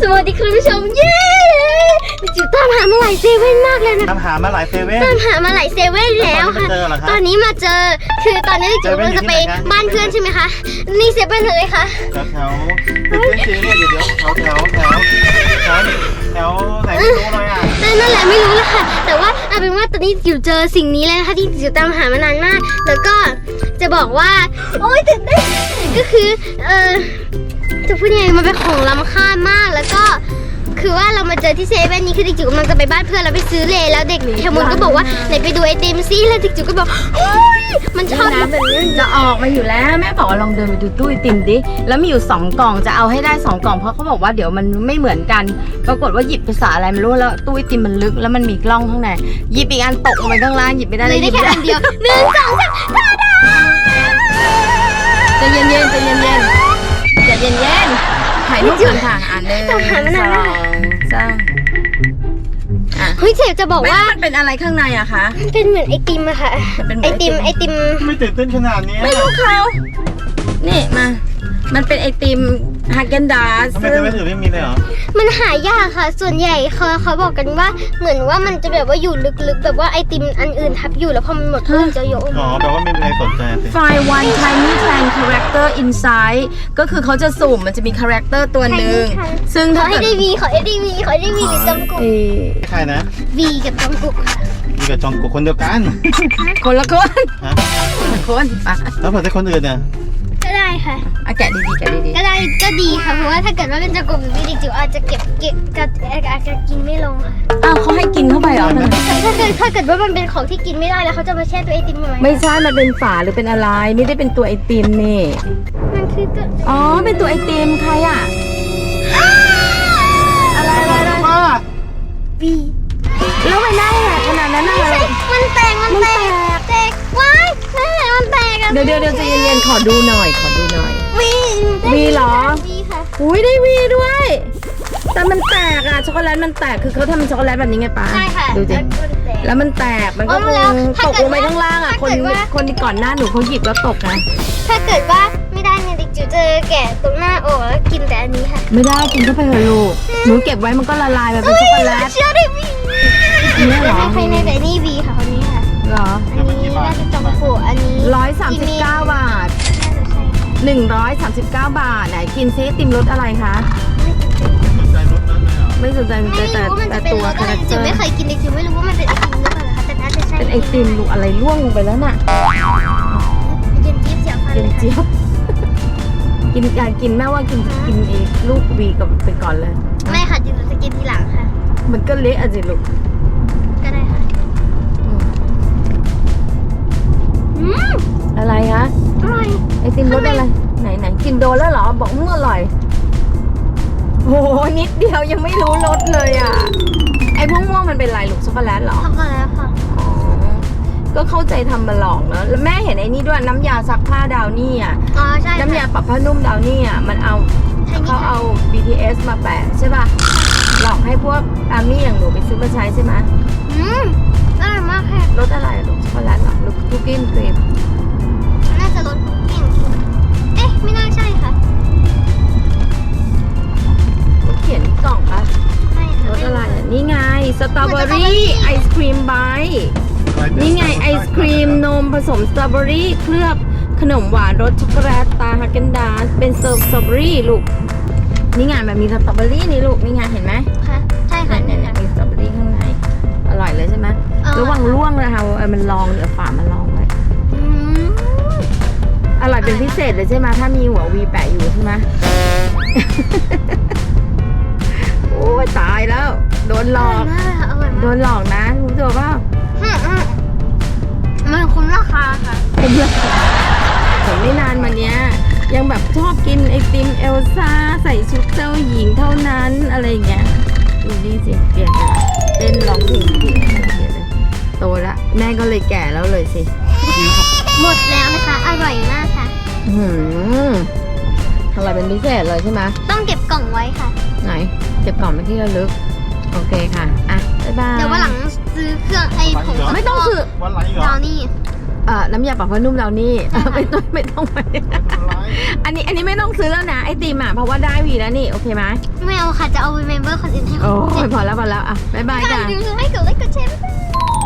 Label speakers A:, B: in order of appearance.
A: สวัสดีคุณผู้ชมเย้จิ๋วตามหามาหลายเซเว่นมากเลยนะ
B: ตามหามาหลายเซเว่น
A: แล้วค่ะตอนนี้มาเจอคือตอนนี้จิ๋วเราจะไปบ้านเพื่อนใช่ไหมคะนี่เซเว่นเลยค่ะ
B: แถวเพื่อนจีเนี่ยเดี๋ยวแถวไหนไม่รู้เลยอ่ะ
A: นั่นแหละไม่รู้ละค่ะแต่ว่าเอาเป็นว่าตอนนี้จิ๋วเจอสิ่งนี้เลยนะคะที่จิ๋วตามหามานานมากแล้วก็จะบอกว่าโอ๊ยตื่นเต้นก็คือจะพูดยังไงมันเป็นของล้ำค่ามากแล้วก็คือว่าเรามาเจอที่เซเว่นนี้คือเด็กจิ๋วกำลังจะไปบ้านเพื่อนแล้วไปซื้อเลแล้วเด็กแคมุนก็บอกว่าไหนไปดูไอติมซิแล้วเด็กจิ๋วก็บอกโอ๊ยมันชอบแบบนี้
C: จะออกมาอยู่แล้วแม่บอกว่าลองเดินไปดูตู้ไอติมดิแล้วมีอยู่2กล่องจะเอาให้ได้2กล่องเพราะเขาบอกว่าเดี๋ยวมันไม่เหมือนกันปรากฏว่าหยิบภาษาอะไรไม่รู้แล้วตู้ไอติมมันลึกแล้วมันมีกล้องข้างในหยิบอีกอันตกลงไปข้างล่างหยิบไม่ได้
A: เลยได้แค่อันเดียว1 2 3ตาดา
C: ใจเย็นถ่ายรูปกันค่ะ1 2 3
A: เฮ้ยเจ๊จะบอกว่า
C: มันเป็นอะไรข้างในอะคะ
A: มันเป็นเหมือนไอติมอะค่ะไอติม
B: ไม่ตื่นเต้นขนาดนี้
C: ไม่รู้เขานี่มันเป็นไอติมฮาเกนดาส
B: ทำไมเซเว่นอื่นไม่มีเลยเหรอ
A: มันหายากค่ะส่วนใหญ่เขาบอกกันว่าเหมือนว่ามันจะแบบว่าอยู่ลึกๆแบบว่าไอติมอันอื่นทับอยู่แล้วพอมันหมดก็จะโยน
B: อ๋อแปลว่าไม่มีใครสนใจสิ
C: Find one tiny plant character inside ก็คือเขาจะสุ่มมันจะมีคาแรคเตอร์ตัวหนึ่งซึ่ง
A: ขอให้ได้วีหรือจำกุก
B: ใครนะ
A: วีกับจำกุก
B: วีกับจองกุกคนเดียวกัน
C: คนละคนปะ
B: แล้วเผื่อได้คนอื่นเนี่ย
A: ก็ได้ค่ะ
C: แกะดี
A: ก็ได้ก็ดีค่ะเพราะว่าถ้าเกิดว่าเป็นจำกุกหรือวีจิ๋วอาจจะเก็บอาจจะกินไม่ลงค่ะ
C: เขาให้กินเข้าไปเหรอ
A: ถ้าเกิดว่ามันเป็นของที่กินไม่ได้แล้วเขาจะมาแช่ตัวไอติมทำไม
C: ไม่ใช่มันเป็นฝาหรือเป็นอะไรไม่ได้เป็นตัวไอติมนี่
A: มันคือตัว
C: เป็นตัวไอติมใครอะอะไร
A: วี
C: แล้วไปได้ไงขนาดนั้นน่ะ
A: มันแตกว้ายมันแตก
C: เดี๋ยวใจเย็นๆขอดูหน่อยวีเหรอ
A: วีค่ะ
C: อุ้ยได้วีด้วยแต่มันแตกอะช็อกโกแลตมันแตกคือเขาทำช็อกโกแลตแบบนี้ไงป้า
A: ใช่ค่ะ
C: ดูสิแล้วมันแตกมันก็คงตกลงไปข้างล่างอะคนที่ก่อนหน้าหนูเขาหยิบแล้วตกนะ
A: ถ้าเกิดว่าไม่ได้เนี่ยดิจิวเจอแกะตรงหน้าออกแล้วกินแต่อันนี้ค่ะ
C: ไม่ได้กินเข้าไปเถอะลูกหนูเก็บไว้มันก็ละลายแบบเป็นช็อกโกแลต
A: เชื่อได้วีนี่เหรอใครในแต่นี่วีค่ะคนนี้ค่ะ
C: เหรอ
A: อันนี้น่าจะจองผูอันนี้
C: 139 บาท139 บาทไหนกินซิติมรสอะไรคะไม่สนใจแต่ตัวคาแรคเตอร์
A: ไม่เคยกินดิจิวไม่รู้ว่ามันเป็นไอติมหรือเปล่าคะแต่น่าจะใช่
C: เป็นไอติมลูกอะไรล่วงลงไปแล้วน่ะ
A: เย็นจี๊บเสียฟัน
C: เย็นจี๊บกินแม่ว่ากินลูกวีกับไปก่อนเลย
A: ไม่ค่ะจิ๋วจะกินทีหลังค่ะ
C: มันก็เละอ่ะสิลูก
A: ก็ได้ค่ะ
C: อะไรคะ
A: อร่อย
C: ไอติมรสอะไรไหนกินโดนแล้วเหรอบอกอร่อยโหนิดเดียวยังไม่รู้รสเลยอ่ะไอม่วงมันเป็นอะไรลูกช็อกโกแลตเหรอ
A: ช็อกโกแลตค่ะ
C: ก็เข้าใจทำมาลองเนอะแล้วแม่เห็นไอ้นี่ด้วยน้ำยาซักผ้าดาวนี่อ่ะ
A: ใช่
C: น้ำยาปรับผ้านุ่มดาวนี่อ่ะมันเขาเอา BTS มาแปะใช่ป่ะหลอกให้พวกอามี่อย่างหนูไปซื้อมาใช้ใช่ไหม
A: อร่อยมากค่ะ
C: รสอะไรลูกช็อกโกแลตเหรอลูกคุกกี้ครีม
A: น่าจะรสคุกกี้เอ๊ะไม่น่าใช่ค่ะ
C: เขียนกล่องป่ะรสอะไรนี่ไงสตรอเบอรี่ไอศครีมไบท์นี่ไงไอศครีมนมผสมสตรอเบอรี่เคลือบขนมหวานรสช็อกโกแลตตาฮาเกนดาสเป็นสตรอเบอรี่ลูกนี่ไงแบบมีสตรอเบอรี่นี่ลูกนี่ไงเห็นไหม
A: ค่ะใช่ค่ะ
C: เนี่ยมีสตรอเบอรี่ข้างในอร่อยเลยใช่ไหมระวังล่วงเลยค่ะมันลองเดี๋ยวฝามันลองเลยอร่อยเป็นพิเศษเลยใช่ไหมถ้ามีหัววีแปะอยู่ใช่ไหมโอ้ยตายแล้วโดนหลอกนะรู้ตัวเปล่า
A: มันคุ้มราคาค่ะ
C: คุ้มราคาผมไม่นานมาเนี้ยยังแบบชอบกินไอติมเอลซ่าใส่ชุดเจ้าหญิงเท่านั้นอะไรเงี้ยดูนี่สิเปลี่ยนเลยเต้นร้องเพลงเปลี่ยนเลยโตละแม่ก็เลยแก่แล้วเลยสิ
A: หมดแล้วนะคะอร่อยมากค่ะ
C: อะไรเป็นพิเศษเลยใช่ไหม
A: ต้องเก็บกล่องไว้ค่ะ
C: ไหนเก็บกล่องเป็นที่ระลึกโอเคค่ะอ่ะบ๊ายบาย
A: เดี๋ยววันหลังซื้อเครื่องไอ้ผง
C: ไม่ต้องซื้อ
A: ดาวนี่
C: น้ำยาปรับผ้านุ่มดาวนี่ไม่ต้องไปอันนี้ไม่ต้องซื้อแล้วนะไอติมอ่ะเพราะว่าได้วีแล้วนี่โอเคไหม
A: ไม่เอาค่ะจะเอา remember คนอื่นให้
C: โอ้
A: เขา
C: ยพอแล้วอ่ะบ๊ายบาย
A: อย่า
C: จ้ะ
A: ลืมให้กดไลค์กดแชร์บ๊ายบาย